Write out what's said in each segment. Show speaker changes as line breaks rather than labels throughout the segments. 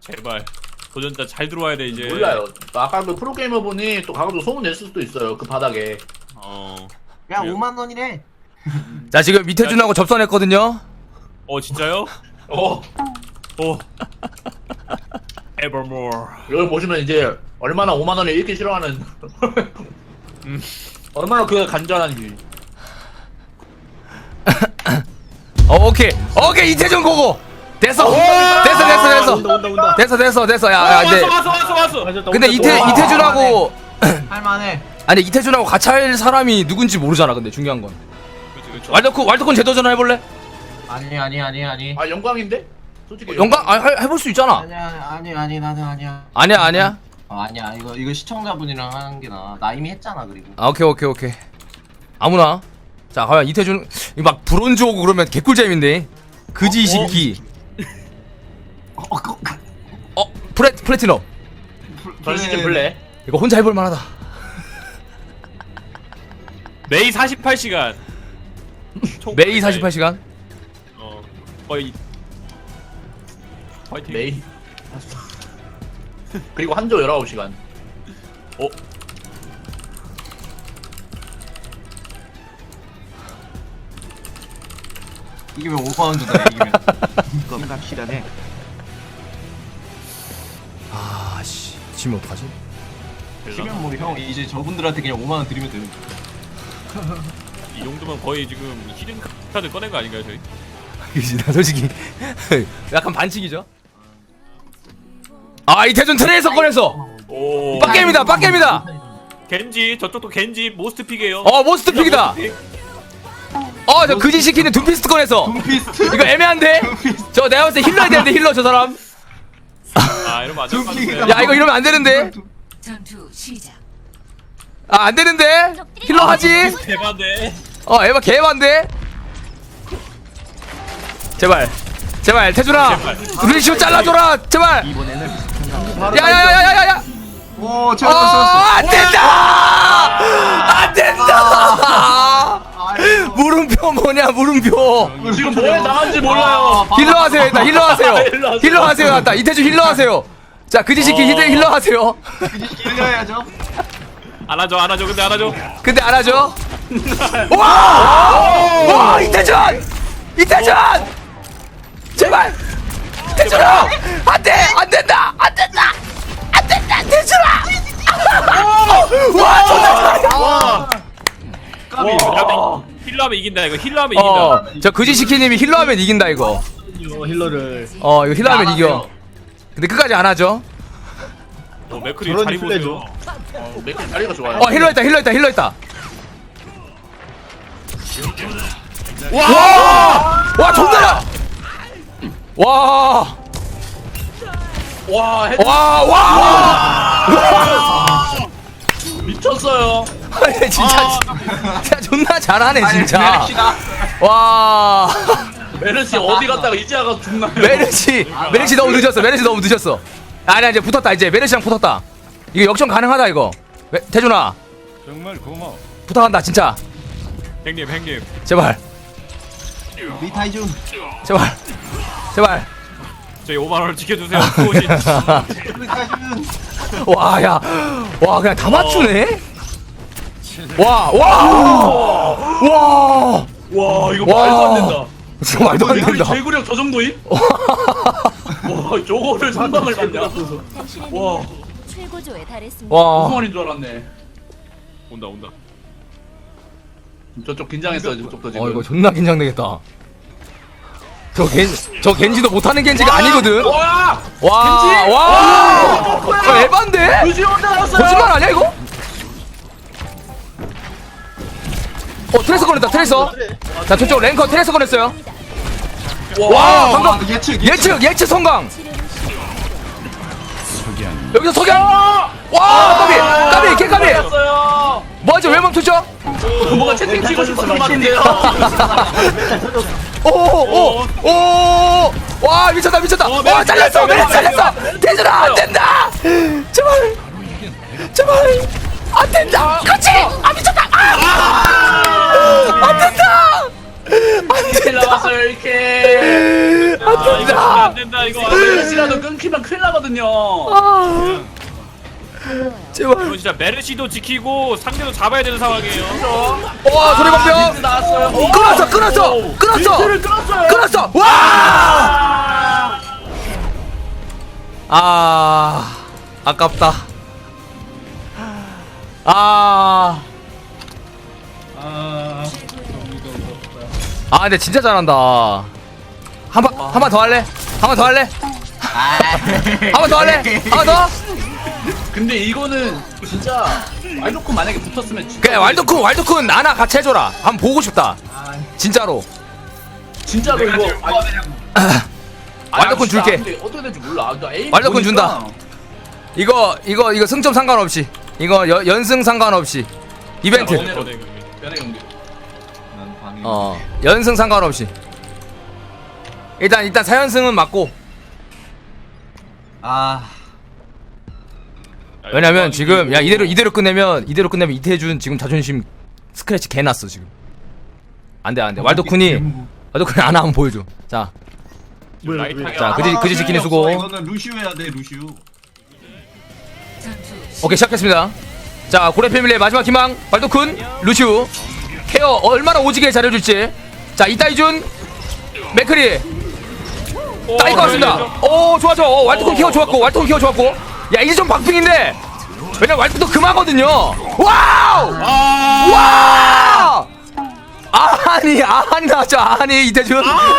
제발 도전자 잘 들어와야 돼 이제.
몰라요. 아까 그 프로게이머 분이 또 가가지고 소문 냈을 수도 있어요. 그 바닥에.
야
그래요?
5만 원이래.
자 지금 이태준하고 접선했거든요.
진짜요?
어.
Evermore.
이걸 보시면 이제 얼마나 5만 원을 잃기 싫어하는. 얼마나 그가 간절한지.
오케이 이태준 고고. 됐어. 됐어. 야 이제.
왔어.
근데 이태준하고
할만해.
아니 이태준하고 같이 할 사람이 누군지 모르잖아. 근데 중요한 건.
그치.
왈더콘 재도전 해볼래?
아니.
아 영광인데? 솔직히.
영광 해볼 수 있잖아.
아니 나는 아니야.
아니야.
아니야 이거 시청자분이랑 하는 게 나아. 나 이미 했잖아 그리고.
아 오케이. 아무나. 자 과연 이태준 막 브론즈 오고 그러면 개꿀잼인데. 그지 시키. 플래티넘.
전시즌 블랙.
이거 혼자 해볼 만하다.
매일 48시간.
매일 48시간.
거의. 화이팅.
메이. 그리고 한조 19시간.
이기면 5만 원 준다 이기면.
그건 확실하네.
아씨 지면 어떡하지?
지면 뭐 형 이제 저분들한테 그냥 5만 원 드리면 되는.
이 정도면 거의 지금 히든 카드 꺼낸 거 아닌가요 저희?
그치 나 솔직히 약간 반칙이죠. 아 이태준 트레이서 꺼냈어.
오.
빡겜이다.
겐지 저쪽도 겐지 모스트 픽이에요.
모스트 픽이다. 저 그지 시키는 둠피스트 꺼냈어.
둠피스트?
이거 애매한데? 저 내가 봤을 때 힐러 해야 되는데 힐러 저 사람.
이러면 안 될 것 같은데.
야 이거 이러면 안 되는데.
전투 시작.
안 되는데. 힐러 하지.
대박네.
에바 개반데. 제발 태준아 루시오 잘라줘라 제발.
이번에는
야야야야야야.
오 제가
안 된다. 물음표 뭐냐 물음표.
지금 뭐에 나간지 몰라요.
힐러 하세요 일단 힐러 하세요 일단 이태준 힐러 하세요. 자 그지시키 힐러 하세요.
이겨야죠.
안 하죠. 근데 안 하죠.
근데 안 하죠. 와 이태준 제발 태준아 안 된다 태준아. 와 존나 잘해.
힐러하면 이긴다 이거. 힐러하면 이긴다.
저 그지시키님이 힐러하면 이긴다 이거.
힐러를.
이거 힐러하면 이겨. 근데 끝까지 안 하죠.
맥크리 자리 보세요.
맥주 자리가 좋아요.
힐러 있다. 와 존나야. 와.
미쳤어요.
아니 진짜 존나 잘하네 진짜. 와.
메르시 어디 갔다가 이제 와서 죽나요?
메르시 너무 늦었어. 아니야 이제 붙었다. 이제 메르시랑 붙었다. 이거 역전 가능하다 이거. 태준아
정말 고마워.
부탁한다 진짜.
형님.
제발.
리타이준.
제발.
저희 5만 원을 지켜주세요. 수호신.
리타이준.
와 그냥 다 맞추네. 와
이거 말도 안 된다.
진짜 말도 안 된다.
제구력 저 정도임? 와 저거를 상방을 받냐?
당신의
와.
능력이 최고조에 달했습니다.
와.
무슨 말인 줄 알았네.
온다.
저쪽 긴장했어요. 저쪽도 지금.
이거 존나 긴장되겠다. 저 겐지도 못하는 겐지가 아니거든.
와!
와 에반데?
루시 혼자 나왔어요.
거짓말 아니야 이거? 트레이서 꺼냈다. 자 저쪽 랭커 트레이서 꺼냈어요. 와 방금 예측 성강. 여기서 석양. 와 까비 개까비. 뭐하죠 왜 멈췄죠?
뭔가 채팅 치고 싶은 것 같은데요.
와 미쳤다. 와 잘렸어. 태준아 안 된다. 제발 안 된다. 그렇지. 미쳤다. 안 된다.
이렇게 나왔어요 이렇게.
이거 안 된다 이거.
메르시라도 끊기면 큰일 나거든요.
제발.
이거 진짜 메르시도 지키고 상대도 잡아야 되는 상황이에요.
와 소리방병.
나왔어요.
끊었어 끊었어 끊었어
를 끊었어요.
끊었어. 와. 아 아깝다. 아. 아 근데 진짜 잘한다. 한 번 더 할래? 한 번 더 할래? 한 번 더 할래? 한 번 더?
근데 이거는 진짜 왈도쿤 만약에 붙었으면 진짜
그래 왈도쿤 나나 같이 해줘라. 한번 보고 싶다. 진짜로.
진짜로 이거
왈도쿤 줄게.
근데 어떻게 될지 몰라. 나 에임
왈도쿤
보니까
준다. 이거 승점 상관없이. 이거 연승 상관없이. 이벤트.
변해 경기.
연승 상관없이. 일단 4연승은 맞고. 왜냐면 지금 야 이대로 끝내면 이태준 지금 자존심 스크래치 개 났어 지금. 안돼 왈도쿤이 아나 한번 보여줘. 자 그지 지키는 수고.
이거는 루시우 해야 돼 루시우.
오케이 시작했습니다. 자 고래 패밀리의 마지막 희망 왈도쿤 루시우 케어 얼마나 오지게 잘해줄지. 자 이따이준 맥크리 따일 것 같습니다. 오 좋아 왈도쿤 케어 좋았고 야 이제 좀 박빙인데 왜냐면 왈도쿤도 금하거든요. 와우 아니 나왔죠. 아니 이태준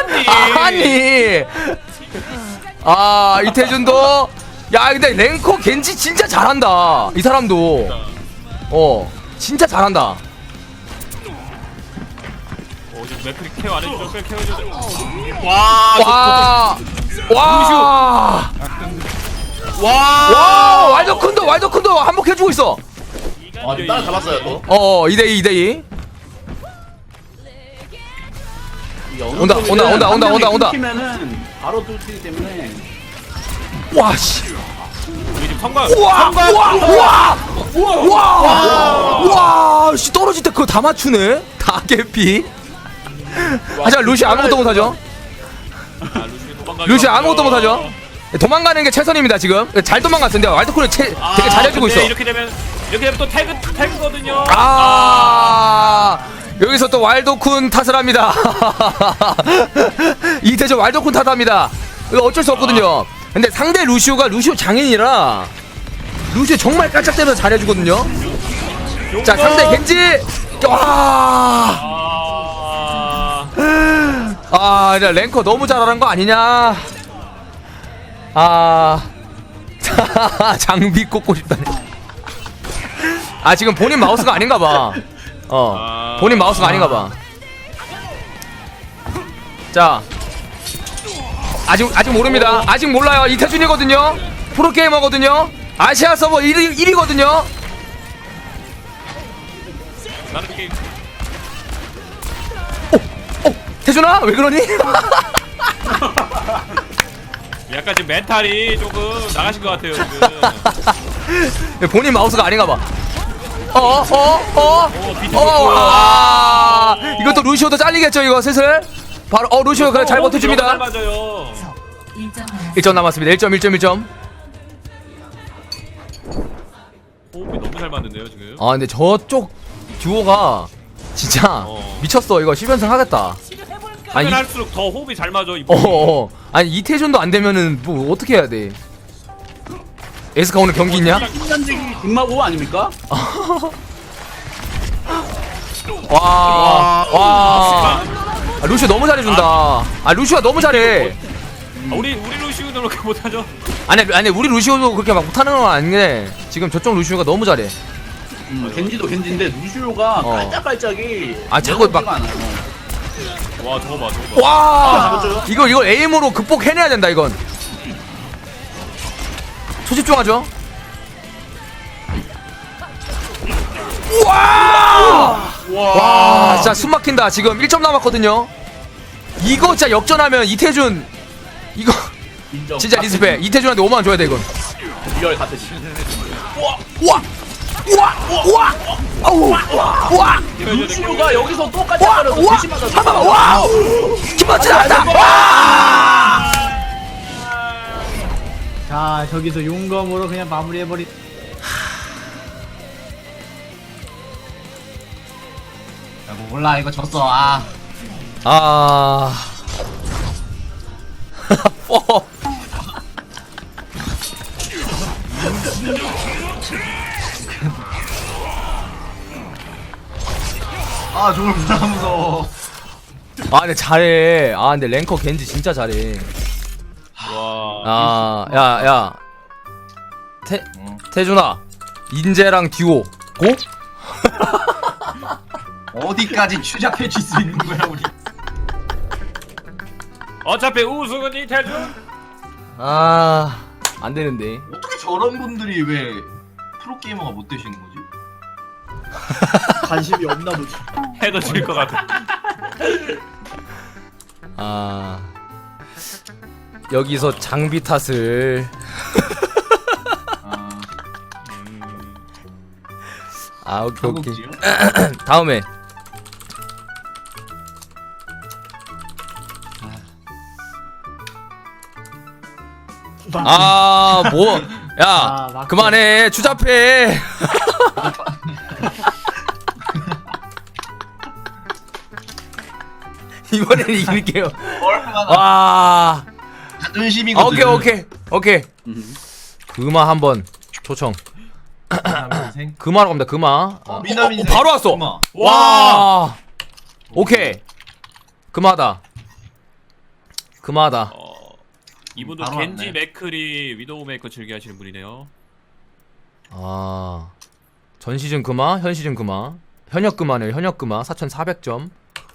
이태준도 야 근데 랭커 겐지 진짜 잘한다. 이 사람도 진짜 잘한다.
지금 맥크리 케어 안 해주죠? 꽤 케어 해주죠.
와 왈도쿤도 한복해주고 있어.
지금 따라잡았어요 또.
2대2 온다.
끊기면은 바로 뚫리기 때문에.
와씨
우리 지금 성광.
씨 떨어질 때 그거 다 맞추네. 다 개피. 하지만 루시 아무것도 못하죠. 루시 아무것도 못하죠. 도망가는 게 최선입니다 지금. 잘 도망갔는데 왈도쿤을 되게 잘해주고 있어.
이렇게 되면 또 태그거든요.
여기서 또 왈도쿤 탓을 합니다. 이태준 왈도쿤 탓합니다. 이거 어쩔 수 없거든요. 근데 상대 루시우 장인이라 루시우 정말 깔짝대면서 잘해주거든요. 자 상대 겐지 이제 랭커 너무 잘하는 거 아니냐. 장비 꽂고 싶다네. 지금 본인 마우스가 아닌가봐. 본인 마우스가 아닌가봐. 자 아직 모릅니다. 아직 몰라요. 이태준이거든요. 프로게이머거든요. 아시아 서버 1위거든요.
나는 게임.
태준아 왜 그러니?
약간 지금 멘탈이 조금 나가신 것 같아요 지금.
본인 마우스가 아닌가봐. 이것도 루시오도 잘리겠죠 이거 슬슬. 바로 루시오 그래 잘 버텨줍니다.
맞아요.
1점 남았습니다. 1점.
호흡이 너무 잘 맞는데요 지금.
근데 저쪽 듀오가 진짜 미쳤어. 이거 10연승 하겠다.
하면 할수록 더 호흡이 잘 맞아.
아니 이태준도 안 되면은 뭐 어떻게 해야 돼? 에스카 오늘 경기 있냐?
인간적이 뒷마고 아닙니까?
루시오 너무 잘해준다. 루시오가 너무 잘해.
우리 루시우도 그렇게 못하죠.
아니 우리 루시오도 그렇게 막 못하는 건 아닌데 지금 저쪽 루시오가 너무 잘해.
겐지도 겐지인데 루시오가 깔짝깔짝이
자꾸 막
와 저거 봐.
이거 에임으로 극복해내야 된다 이건. 초집중하죠. 와 진짜 숨막힌다. 지금 1점 남았거든요. 이거 진짜 역전하면 이태준 이거
인정.
진짜 리스펙. 이태준한테 5만원 줘야 돼 이건.
리얼 같으시.
우와 아우 우와
루시오가 여기서 똑같이
와!
하면서
와!
대신 맞았어.
잠깐만 와우 김치 나왔다 와
자 저기서 용검으로 그냥 마무리해버리.
야, 뭐 몰라 이거 졌어. 아.
어.
아 저걸 몰라 무서워.
아 근데 잘해 아 근데 랭커 겐지 진짜 잘해
와.
야야 태준아 인재랑 듀오 고?
어디까지 추잡해 줄 수 있는 거야 우리.
어차피 우승은 이태준.
아 안되는데
어떻게 저런 분들이 왜 프로게이머가 못 되시는 거지?
관심이 없나 보지.
해도 질 것 같아.
아 여기서 장비 탓을
아,
아 오케이 오케이
한국지요?
다음에 뭐 야
맞고.
그만해 추잡해 이번엔 이길게요
얼마나
와
자존심이거든.
오케이 금화 한번 초청
인생.
금화로 갑니다 금화
미남 인생.
바로 왔어
엄마.
와 오케이 금화다
이분도
바로
겐지
왔네.
맥크리 위도우 메이커 즐겨하시는 분이네요.
아 전 시즌 금화 현 시즌 금화 현역 금화네요 현역 금화 4,400점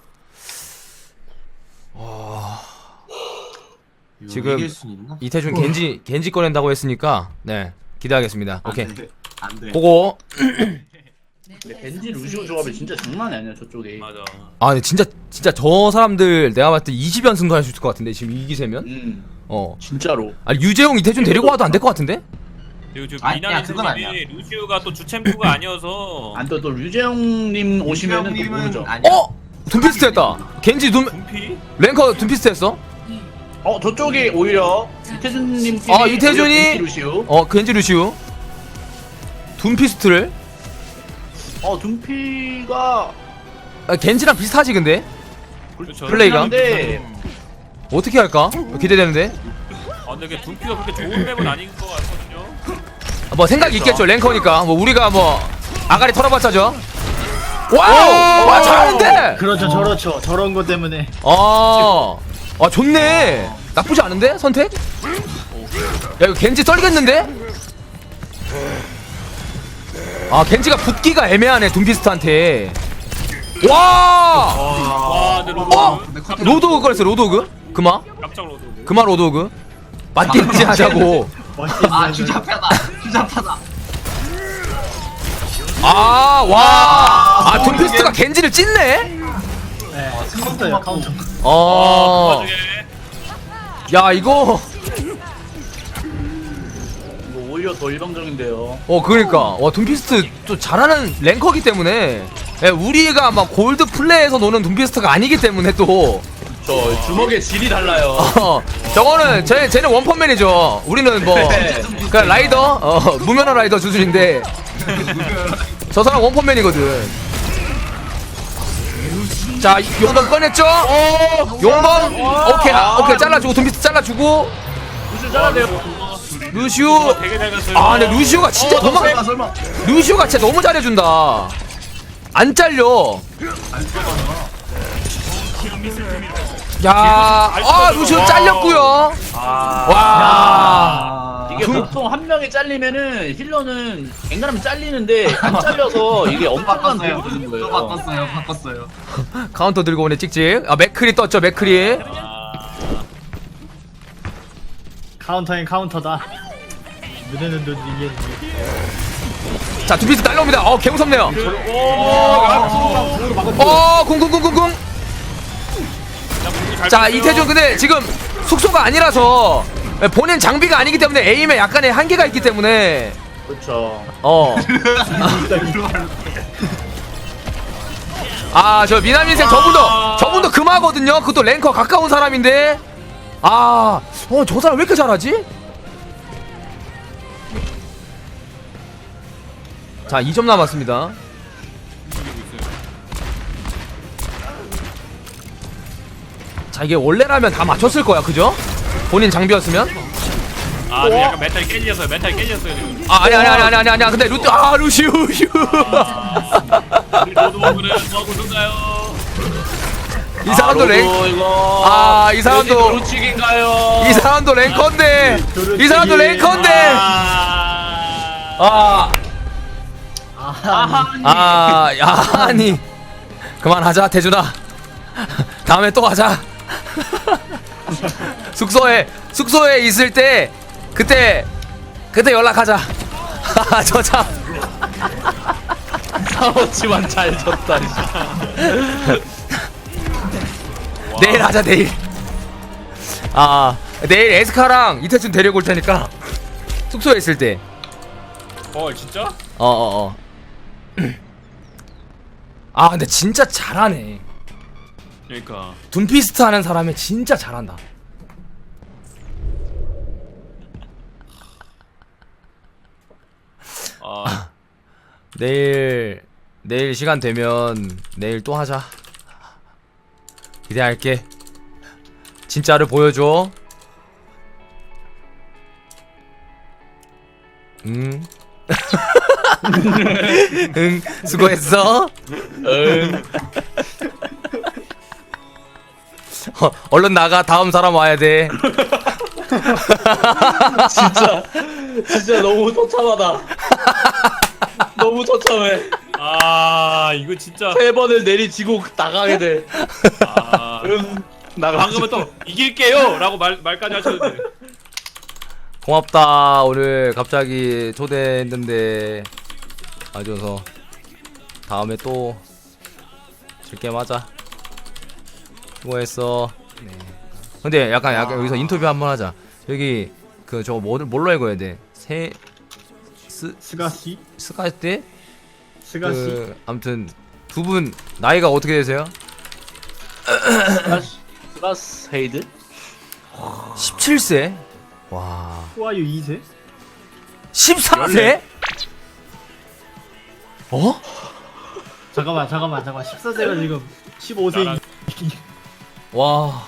지금
이길 수 있나?
이태준 겐지 꺼낸다고 했으니까 네 기대하겠습니다 오케이
안 돼.
보고
근데 벤지 루시오 조합이 진짜 장난이 아니야 저쪽에.
맞아.
아 근데 진짜 저 사람들 내가 봤을 때 20연승도 할 수 있을 것 같은데 지금 이 기세면
진짜로.
아니 유재용 이태준 데리고 와도 안 될 것 같은데
그리고 지금
아니야,
미나민
그건
선생님이 루시우가 또 주챔프가 아니어서
안또 류재영님 오시면은 또
이형님은
모르죠.
아니야.
둠피스트 했다 겐지
분피?
랭커 둠피스트 했어
저쪽이 오히려 이태준님 팀이
아, 이태준이-
오히려 벤지 루시오.
겐지 루시우 둠피스트를
둠피가
겐지랑 비슷하지 근데
그렇죠.
플레이가?
근데
어떻게 할까 기대되는데
근데 이게 분피가 그렇게 좋은 맵은 아닌 것 같거든요.
뭐 생각이 있겠죠 랭커니까 뭐 우리가 뭐 아가리 털어봤자죠 와우 와 잘하는데
그렇죠 저런 거 때문에.
좋네 나쁘지 않은데 선택 야 이거 겐지 떨겠는데 겐지가 붙기가 애매하네 둠피스트한테 와
근데 로드
로드오그 걸렸어 로드오그 금화
깜짝 로드.
금화 로드오그 맞겠지 하자고
아 추잡하다. 추잡하다.
둠피스트가 겐지를 찢네
네, 카운터예요 카운터.
야 이거
뭐 오히려 더 일방적인데요.
그러니까 와 둠피스트 또 잘하는 랭커기 때문에 우리가 막 골드 플레이에서 노는 둠피스트가 아니기 때문에 또
저 주먹의 질이 달라요.
저거는 쟤는 원펀맨이죠 우리는 뭐 그냥 라이더 무면허 라이더 수준인데 저 사람 원펀맨이거든 자 용검 꺼냈죠 용검 오케이 잘라주고 둠피스트 잘라주고
루시오 잘하네요.
루시우
되게 잘 갔어요.
근데 루시우가 진짜
설마.
루시우가 진짜 너무 잘해준다 안 잘려 루시우 잘렸고요 와
이게 보통 한 명이 잘리면은 힐러는 앵간하면 잘리는데 안 잘려서 이게 엄청난 도움이 되는 거예요.
바꿨어요.
카운터 들고 오네 찍찍 맥크리 떴죠 맥크리
카운터엔 카운터다. 눈에는 눈 이게
자 두피스 날라옵니다 개 무섭네요 궁궁궁궁궁 자 이태준 근데 지금 숙소가 아니라서 본인 장비가 아니기 때문에 에임에 약간의 한계가 있기 때문에
그렇죠.
아, 저 미남 인생 저분도 금하거든요. 그것도 랭커 가까운 사람인데. 저 사람 왜 이렇게 잘하지? 자, 2점 남았습니다. 자, 이게 원래라면 다 맞췄을 거야, 그죠? 본인 장비였으면.
지금 약간 멘탈이 깨졌어요. 멘탈이 깨졌어요 지금.
아니야. 근데 루시우.
우리 로드워크는 뭐하고 있었나요?
이 사람도
이거.
이 사람도
도루치기인가요?
이 사람도 랭커인데. 이 사람도 랭커인데. 아니. 그만하자, 대준아. 다음에 또 하자. 숙소에 있을 때 그때 연락하자. 저 참.
싸웠지만 잘 졌다.
내일 하자, 내일. 내일 에스카랑 이태준 데리고 올 테니까 숙소에 있을 때.
진짜?
근데 진짜 잘하네.
그러니까.
둠피스트 하는 사람이 진짜 잘한다. 내일 시간 되면 내일 또 하자. 기대할게. 진짜를 보여줘. 응, 수고했어. 얼른 나가. 다음 사람 와야 돼.
진짜 너무 처참하다. 너무 처참해.
이거 진짜.
3번을 내리치고 나가게 돼.
방금은 또 이길게요 라고 말까지 하셨는데.
고맙다. 오늘 갑자기 초대했는데 와줘서. 다음에 또 즐겜 하자. 수고했어. 네. 근데 약간 여기서 인터뷰 한번 하자. 여기 그 저거 뭘로 읽어야 돼?
스가시?
스카이트?
스가시?
아무튼 두 분 나이가 어떻게 되세요?
스가스 헤이드?
17세? 와.
후아유 2세?
14세?
잠깐만 14세가 지금 15세.
와.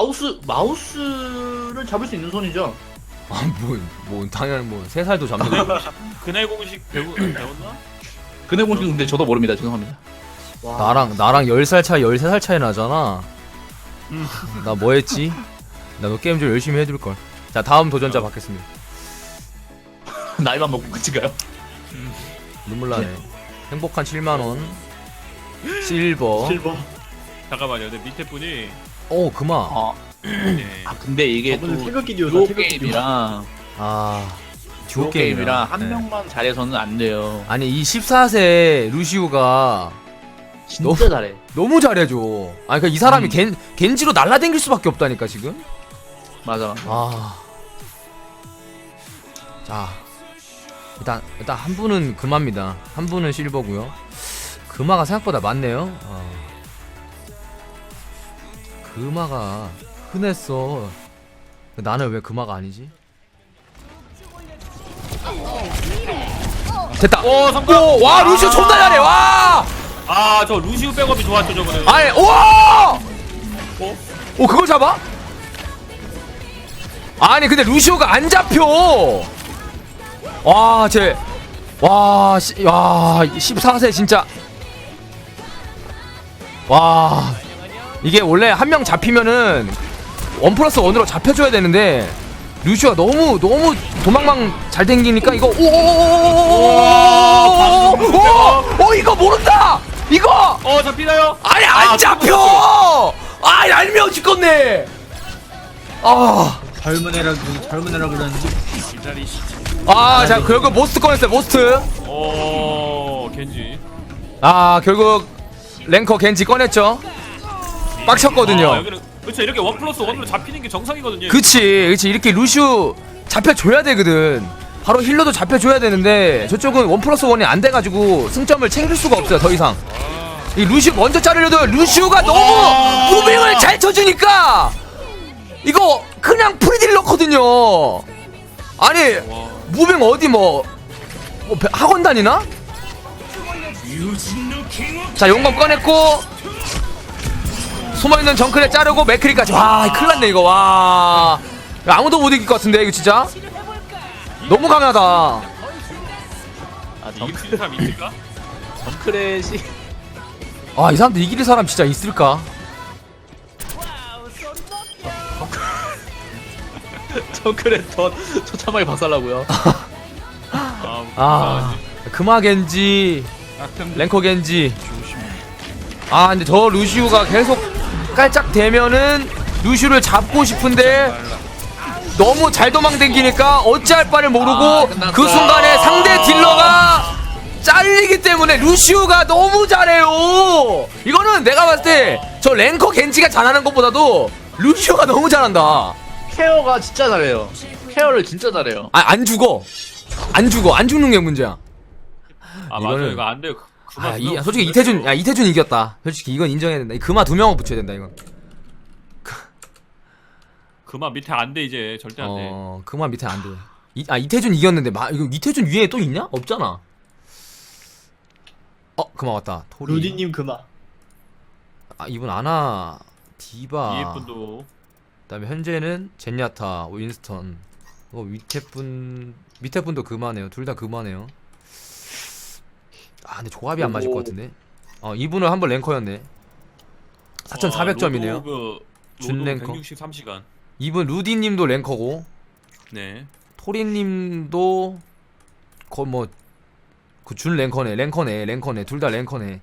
마우스를 잡을 수 있는 손이죠.
뭐 당연히 3살도 잡는 거.
그날 공식 배웠나?
그네 공식 근데 저도 모릅니다. 죄송합니다.
나랑 10살 차이 13살 차이 나잖아. 나 뭐 했지? 나도 게임 좀 열심히 해둘걸. 자, 다음 도전자 받겠습니다.
나이만 먹고 끝인가요?
눈물 나네. 행복한 7만원. 실버.
잠깐만요. 근데 밑에 분이
그만.
네.
근데 이게 또
저번에 태극기 듀오다,
듀오
태극기
게임이랑
듀오
게임이랑 한
네.
명만 잘해서는 안 돼요.
아니, 이 14세 루시우가
진짜 잘해.
너무 잘해줘. 아니, 이 사람이 겐지로 날라댕길 수밖에 없다니까, 지금.
맞아.
자, 일단 한 분은 금화입니다. 한 분은 실버고요. 금화가 생각보다 많네요. 금화가 흔했어. 나는 왜 금화가 아니지? 됐다. 와, 루시우 존나 잘해. 와.
저 루시우 백업이 좋았죠 저거는.
아니, 우와! 그걸 잡아? 아니, 근데 루시오가 안 잡혀. 와, 14세 진짜. 와, 이게 원래 한 명 잡히면은 1+1으로 잡혀줘야 되는데 루시오가 너무 도망망 잘 댕기니까 이거 이거 모른다. 이거
잡히나요?
아니, 안 잡혀. 얄미워 죽겠네.
젊은 애라 그러는지.
자, 결국 모스트 꺼냈어요. 모스트.
겐지.
결국 랭커 겐지 꺼냈죠. 빡쳤거든요.
여기는 그렇죠. 이렇게 1+1으로 잡히는 게 정상이거든요.
그치. 이렇게 루슈 잡혀줘야 되거든. 바로 힐러도 잡혀줘야 되는데 저쪽은 1+1이 안 돼가지고 승점을 챙길 수가 없어요. 더 이상 이 루시우 먼저 자르려도 루시우가 너무 무빙을 잘 쳐주니까 이거 그냥 프리딜러거든요. 아니 무빙 어디 뭐 학원 다니나? 자 용검 꺼냈고 숨어있는 정크레 자르고 맥크리까지. 와 큰일났네 이거. 와 아무도 못 이길 것 같은데 이거 진짜 너무 강하다.
아
이길 수 있는 사람 있을까?
정크렛이
아 이 사람들 이길 사람 진짜 있을까?
정크렛 더 처참하게 박살나고요.
아 금화 겐지 랭커 겐지. 아 근데 저 루시우가 계속 깔짝대면은 루시우를 잡고 싶은데 너무 잘 도망댕기니까 어찌할 바를 모르고
끝났다.
그 순간에 상대 딜러가 잘리기 때문에 루시우가 너무 잘해요. 이거는 내가 봤을 때 저 랭커 겐지가 잘하는 것보다도 루시우가 너무 잘한다.
케어가 진짜 잘해요. 케어를 진짜 잘해요.
아 안 죽어 안 죽는 게 문제야.
아 맞아
이거는-
이거 안 돼요.
아, 솔직히 이태준 이겼다. 솔직히 이건 인정해야 된다. 이 금화 2명을 붙여야 된다 이건.
그만 밑에 안 돼 이제 절대 안 돼.
금화 밑에 안 돼. 이태준 이겼는데 이거 이태준 위에 또 있냐? 없잖아. 금화 왔다. 토리.
루디님 그만.
아 이분 아나 디바.
이해분도
그다음에 현재는 젠야타, 윈스턴. 밑에 분도 금화네요. 둘 다 금화네요. 아 근데 조합이 안 맞을 것 같은데. 이분은 한번 랭커였네. 4,400점이네요. 준 랭커.
163시간.
이분 루디님도 랭커고
네.
토리님도 준 랭커네. 둘 다 랭커네.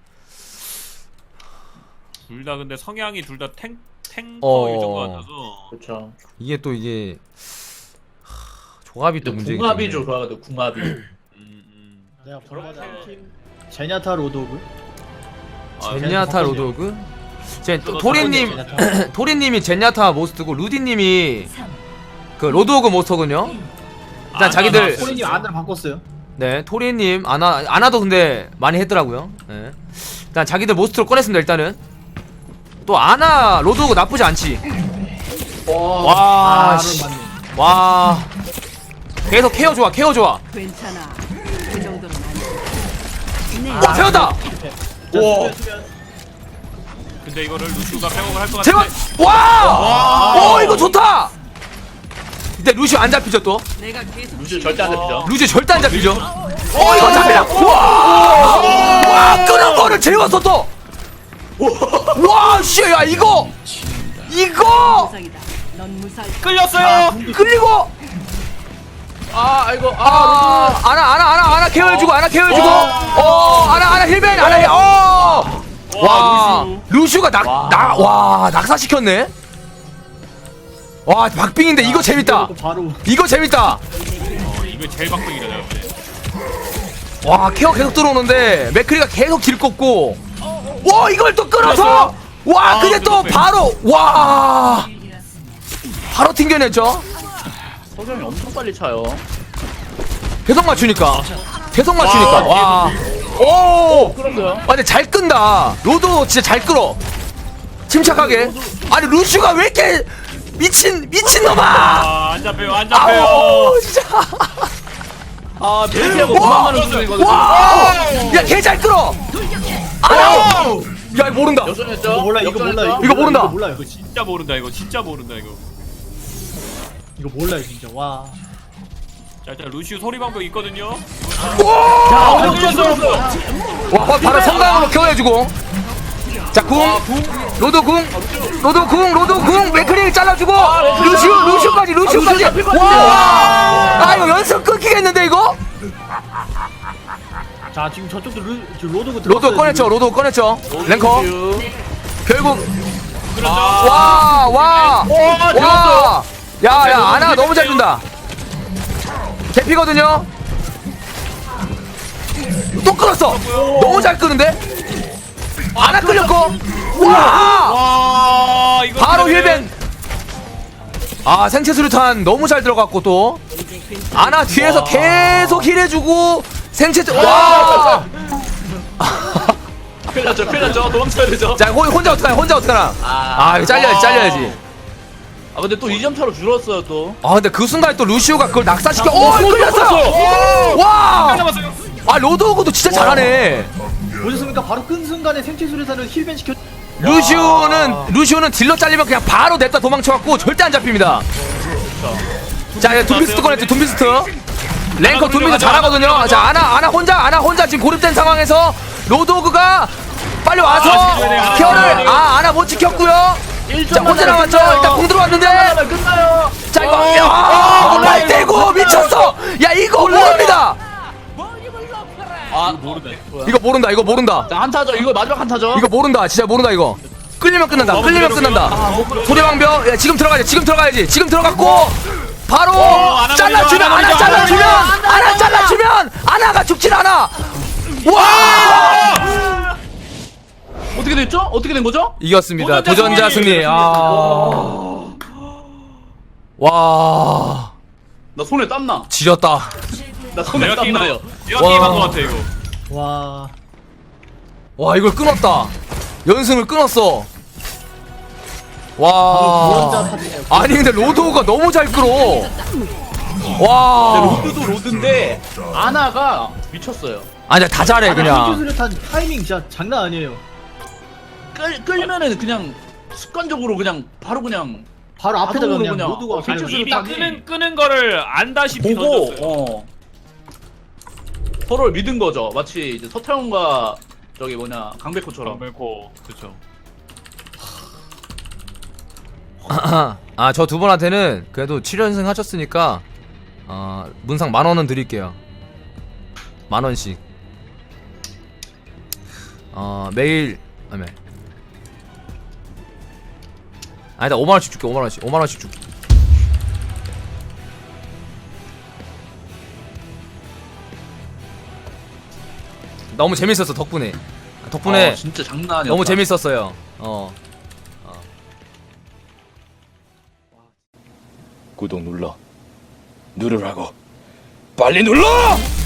둘 다 근데 성향이 둘 다 탱커일
어.
것 같아서.
그렇죠.
이게 또 조합이 또 문제겠네.
궁합이죠, 좋아가지고 궁합이.
내가 보러가다 팀 제냐타 로드오그.
젠야타 로드오그.
저도
토리님
제냐타.
토리님이 젠야타 모스트고 루디님이 그 로드오그 모스터군요. 일단 자기들
토리님 안을 바꿨어요.
네 토리님 아나도 근데 많이 했더라고요. 네. 일단 자기들 모스트로 꺼냈습니다. 일단은 또 아나 로드오그 나쁘지 않지. 와, 씨.
맞네.
와 계속 케어 좋아.
괜찮아. 그 정도는 아니야.
와 세웠다.
와.
근데 이거를 루시우가 백업을 할 것
제발
같은데.
와 이거 좋다. 근데 루시오 안 잡히죠 또.
내가 계속
루시 절대 안 잡히죠.
루시오 절대 안 잡히죠. 이거 잡히라. 와 끄는 거를 재웠어 또. 와 씨 야 이거
무상이다. 넌 무사할 거야.
끌렸어요.
끌리고 아나 케어해주고 아나 힐벤 와 루슈가 낙사시켰네. 와 박빙인데 이거 재밌다.
바로
이거 재밌다.
이거 제일 박빙이다 내가 볼 때.
와 케어 계속 들어오는데 맥크리가 계속 딜 꽂고 와 이걸 또 끌어서 와 근데 또 바로 바로 튕겨냈죠.
석영이 엄청 빨리 차요.
계속 맞추니까 와오
끌었어요.
근데 잘 끈다. 로도 진짜 잘 끌어. 침착하게. 아니 루슈가 왜 이렇게 미친놈아.
안 잡혀요.
아우 진짜.
벨트하고 그만하는 수준이거든요.
야 걔 잘 끌어. 아우 야 모른다.
역전했죠?
이거 몰라.
역전했죠?
이거 모른다.
이거 몰라요.
진짜 모른다 이거.
이거 몰라요 진짜. 와.
자 일단 루시우 소리 방법 있거든요.
와 바로 성강으로 케어해주고. 자 로드 궁 맥크리 잘라주고 루시우까지 와 이거 연습 끊기겠는데 이거.
자 지금 저쪽도 로드오그
로드 꺼냈죠. 랭커
루시우.
결국
그렇죠.
와 야야 아나 너무 잘 준다. 개피거든요. 또 끌었어. 너무 잘 끄는데. 아나 끌렸고. 와
이거
바로
때문에
힐벤. 생체 수류탄 너무 잘 들어갔고 또
이제 괜찮아.
아나 뒤에서 계속 힐해주고 생체 와.
큰일 났죠. 도망쳐야 되죠.
자 혼자 어떡하나. 이거 잘려야지.
아 근데 또 2점 차로 줄었어요 또.
아 근데 그 순간에 또 루시오가 그걸 낙사시켜. 끌렸어요. 와. 아 로드오그도 진짜 잘하네.
보셨습니까? 바로 끈 순간에 생체 수리사를 힐벤 시켜.
루시오는 딜러 잘리면 그냥 바로 냈다 도망쳐갖고 절대 안 잡힙니다. 자 둠비스트 꺼냈죠. 둠비스트 랭커 둠비스트 잘하거든요. 자 아나 혼자 지금 고립된 상황에서 로드오그가 빨리 와서 케어를 아나 못 지켰고요. 자 혼자 남았죠. 일단 공 들어왔는데
끝나요.
자 이거 8대9 미쳤어. 야 이거 모릅니다. 이거 모른다.
자 한타죠. 이거 마지막 한타죠.
이거 모른다. 진짜 모른다 이거. 끌리면 끝난다. 소리방벽. 지금 들어가야지. 지금 들어갔고 바로 잘라주면 아나가 죽질 않아. 와!
어떻게 됐죠? 어떻게 된 거죠?
이겼습니다. 도전자 승리. 와.
나 손에 땀나.
지렸다.
나 손에
내가
땀나요.
게임한 거 같아 이거.
와.
와 이걸 끊었다. 연승을 끊었어. 와. 아니 근데 로드오가 너무 잘 끌어. 와.
로드도 로드인데 아나가 미쳤어요.
아니야 다 잘해
생체
그냥.
수리탄 타이밍 진짜 장난 아니에요.
끌면은 그냥 습관적으로 그냥 바로 그냥
바로 앞에다가
자동으로
그냥
그냥
모두가
생체
가는
이미
수리탄이
끄는 거를 안다시피
보고
던졌어요.
서로를 믿은 거죠. 마치 이제 서태웅과 저기 뭐냐 강백호처럼.
멜코 그렇죠.
저 두 분한테는 그래도 7연승 하셨으니까 문상 10,000원은 드릴게요. 10,000원씩. 매일 아니다 5만원씩 줄게. 5만원씩 줄게. 너무 재밌었어 덕분에
진짜 장난 아니었다.
너무 재밌었어요.
구독 눌러 누르라고 빨리 눌러!